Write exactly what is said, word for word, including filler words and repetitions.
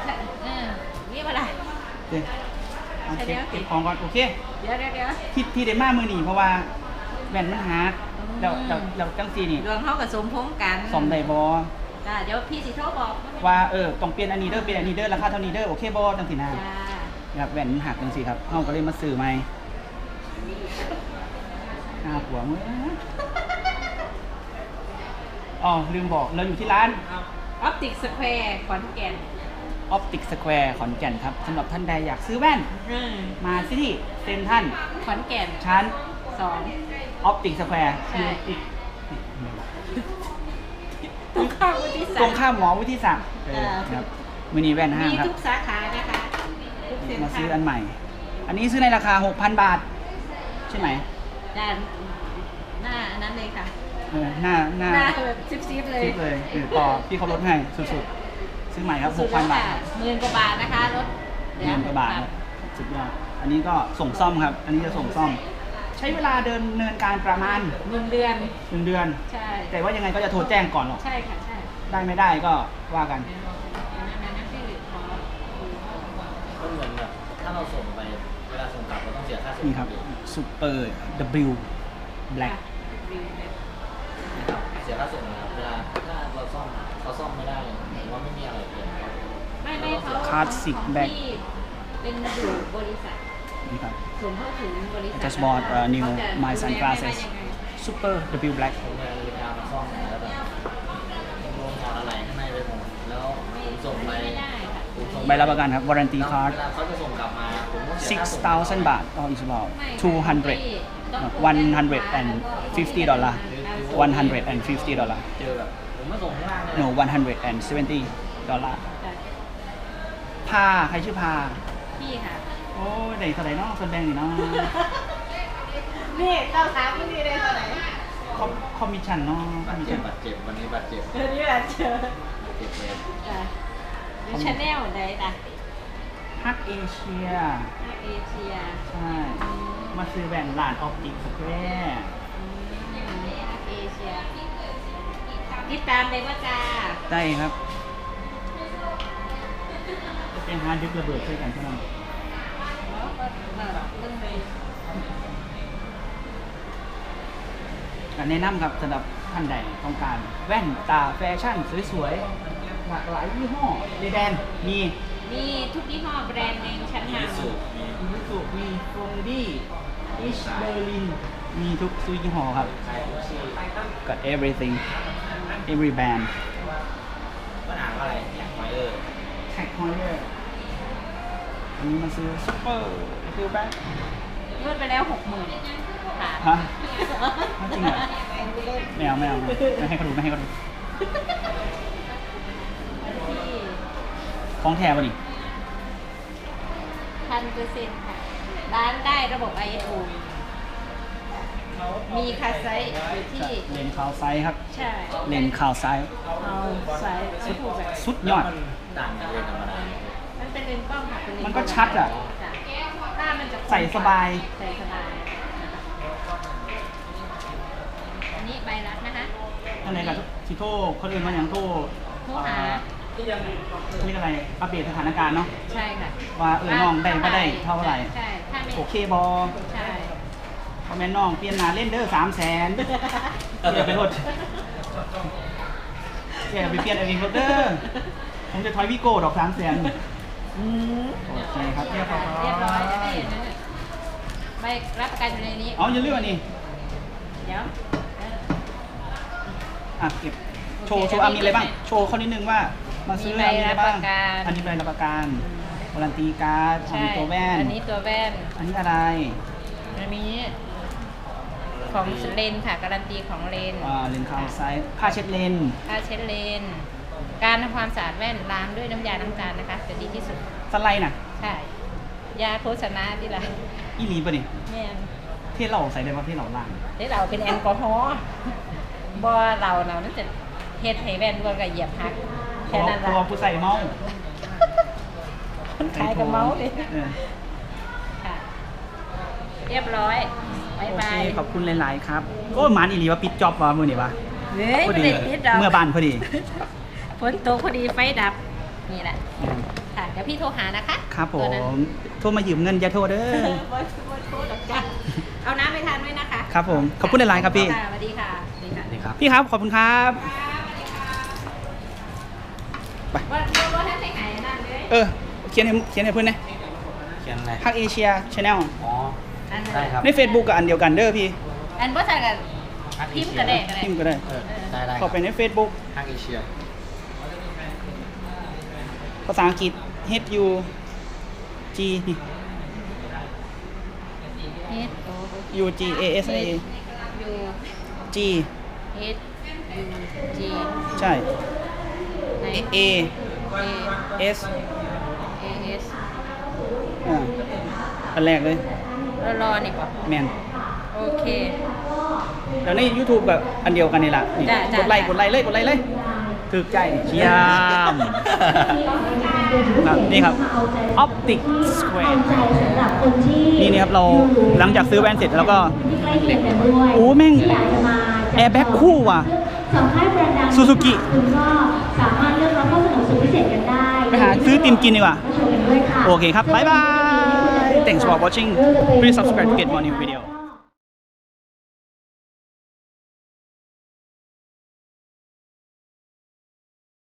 เออนี่อะไรเดี๋ยวเอาเก็บเก็บของก่อนโอเคเดี๋ยวเดี๋ยวเดี๋ยวที่ที่ได้มามือหนีเพราะว่าแว่นมันหาเราเราเราจังซีนี่ดวงเขากับสมพงกันสมได้บอเดี๋ยวพี่สิโทรบอกว่าเออต้องเปลี่ยนอันนี้เด้อเปลี่ยนอันนี้เด้อราคาเท่านี้เด้อโอเคบอจังสีนาครับแว่นหักจังสีครับเขาก็เลยมาซื้อใหม่หน้าหัวมืออ๋อลืมบอกเราอยู่ที่ร้านออปติกสแควร์ขอนแก่นออปติกสแควร์ขอนแก่นครับสำหรับท่านใดอยากซื้อแว่นมาที่เซ็นทรัลขอนแก่นชั้นสองออปติกสแควร์ตรงข้ามวุฒิศักดิ์ตรงข้ามหมอวุฒิศักดิ์ครับมินิแว่นห้างครับมีทุกสาขานะคะมาซื้ออันใหม่ อันนี้ซื้อในราคา หกพัน บาทใช่ไหมด้านหน้านั้นเลยค่ะเออหน้าหน้าแบบซิบๆเลยซิบเลยคือต่อพี่เขาลดให้สุดๆซื้อใหม่ครับ หกพัน บาทหมื่นกว่าบาทนะคะรถหมื่นกว่าบาทสุดยอดอันนี้ก็ส่งซ่อมครับอันนี้จะส่งซ่อมใช้เวลาเดินเนินการประมาณหนึ่งเดือนหนึ่งเดือนใช่แต่ว่ายังไงก็จะโทรแจ้งก่อนหรอกใช่ค่ะใช่ได้ไม่ได้ก็ว่ากันก็เหมือนแบบถ้าเราส่งไปเวลาส่งกลับเราต้องเสียค่าส่งนี่ครับซูเปอร์ W Black นะครับเสียค่าส่งนะครับเวลาถ้าเราซ่อมเขาซ่อมไม่ได้หรือว่าไม่มีอะไรเปลี่ยนไม่ไม่เขาคลาสสิกแบ็คเป็นอยู่บริษัทนี่ครับส่งเข้าถึงบริษัท just bought a new my sunglasses super W Black ผมเวลามาซ่อมแล้วแบบโดนถอดอะไรข้างในไปหมดแล้วผมส่งไปใบรับประกันครับ warranty card เวลาเขาจะส่งกลับมาผมต้องเสีย six thousand บาท or is about two hundred one hundred fifty ดอลลาร์ one hundred fifty ดอลลาร์เจอแบบผมไม่ส่งข้างล่างเลย no one hundred seventy ดอลลาร์พาใครชื่อพาพี่ค่ะโอ้เด็กเท่าไหร่เนาะส่วนแบ่งนี่เนาะนี่เต้าถามพี่ดีเลยเท่าไหร่คอมมิชชั่นเนาะบาดเจ็บบาดเจ็บวันนี้บาดเจ็บวันนี้บาดเจ็บเจ็บเลยมีชาแนลใดล่ะฮักเอเชียฮักเอเชียใช่มาซื้อแว่นร้านออปติกสแควร์ฮักเอเชียติดตามเลยว่าจ้าได้ครับจะเป็นฮาร์ดดิสก์ระเบิดช่วยกันใช่ไหมการแนะนำครับสำหรับท่านใดต้องการแว่นตาแฟชั่นสวยๆหลากหลายยี่ห้อในแดนมีมีทุกยี่ห้อแบรนด์ในชั้นนำมีสุมีสุมีฟงดี้อิชเบอร์ลินมีทุกซุยยี่ห้อครับก็ everything every band ปัญหาอะไรแท็กไฮเออร์แท็กไฮเออร์อันนี้มันซื้อซุปเปอร์ฟิลแบ็คยื่นไปแล้วหกหมื่นค่ะฮะจริงเหรอไม่เอาไม่เอาไม่ให้เขาดูไม่ให้เขาดูของแท้ป่ะนี่พันเปอร์เซ็นต์ค่ะร้านได้ระบบ ไอ เอส โอ มีคาไซส์อยู่ที่เลนคาวไซส์ครับใช่เลนคาวไซส์เอาไซส์สุดสุดยอดต่างจากเลนธรรมดามันเป็นเลนกล้องค่ะเป็นเลนมันก็ชัดอ่ะถ้ามันจะใส่สบายใส่สบายอันนี้ใบรับนะคะท่านไหนกับชิโต้คนอื่นมาอย่างโต้โทรหามีอะไรอัปเดตสถานการณ์เนาะใช่ค่ะว่าเออน้องได้ไม่ได้เท่าไหร่ใช่โอเคบอใช่พอแม่น้องเปลี่ยนหนาเล่นเด้อสามแสนเดี๋ยวไปรถเดี๋ยวไปเปลี่ยนอะไรรถเด้อผมจะทอยวิโก้ดอกสามแสนโอเคครับเรียบร้อยเรียบร้อยจะได้เห็นใบรับประกันอยู่ในนี้อ๋ออย่าลืมอันนี้เดี๋ยวอ่ะเก็บโชว์โชว์มีอะไรบ้างโชว์เขานิดนึงว่ามาซื้ออะไรบ้างอันนี้ใบรับประกันวารันตีการ์ดอันนี้ตัวแว่นอันนี้ตัวแว่นอันนี้อะไรอันนี้ของเลนค่ะการันตีของเลนอ่าเลนคาวไซส์ผ้าเช็ดเลนผ้าเช็ดเลนการทำความสะอาดแว่นล้างด้วยน้ำยาล้างจานนะคะจะดีที่สุดสไลด์น่ะใช่ยาโฆษณาที่ไรอีหลีป่ะนี่แม่นที่เราใส่ได้ว่าที่เราล้างที่เราเป็นแอลกอฮอล์บ่เราเรานั่นจะเฮ็ดให้แว่นด้วยกับเหยียบหักแค่นั้นแหละตัวผู้ใส่เมาคนขายกับเมาเลยค่ะเรียบร้อยบายบายขอบคุณหลายๆครับก็หมานอีหลีว่าปิดจ็อบว่ามือนี่วะพอดีเมื่อบานพอดีฝนตกพอดีไฟดับนี่แหละค่ะเดี๋ยวพี่โทรหานะคะครับผตัวนั้นม โทรมายืมเงินอย่าโทรเด้อบอยบอยโทรหรอกจ้ะเอาน้ำไปทานด้วยนะคะครับผม ขอบคุณหลายๆครับพี่ค่ะสวัสดีค่ะสวัสดีค่ะนี่ครับพี่ครับ ขอบคุณครับ ไปว่าว่าท่านไปไหนนั่นเลยเออ เขียนให้เขียนให้เพื่อนนะเขียนอะไรพักเอเชียชาแนลอ๋ออันนั้นได้ครับใน Facebook กับอันเดียวกันเด้อพี่อันว่าใส่กันพิมพ์กระเดะกระเดะพิมพ์ก็ได้เออได้ได้เข้าไปใน Facebook ทางเอเชียภาษาอังกฤษ H U G นี่เอสโอ U G A S A ยู G เอสยูจีใช่ A A เอ S เอเอสอ่าอันแรกเลยรอรอนี่ป่ะแมนโอเคแล้วใน YouTube แบบอันเดียวกันนี่แหละนี่จ้ะจ้ะกดไลค์กดไลค์เลยกดไลค์เลยถึกใจเยี่ยมครับนี่ครับ Optic Square นี่นี่ครับเราหลังจากซื้อแว่นเสร็จแล้วก็โอ้แม่งแอร์แบ็กคู่ว่ะ ซูซูกิคุณก็สามารถเลือกรับข้อเสนอสุดพิเศษกันได้ไปหาซื้อติมกินดีกว่ามาชมกันด้วยค่ะโอเคครับ บ๊ายบาย Thanks for watching Please subscribe to get more new video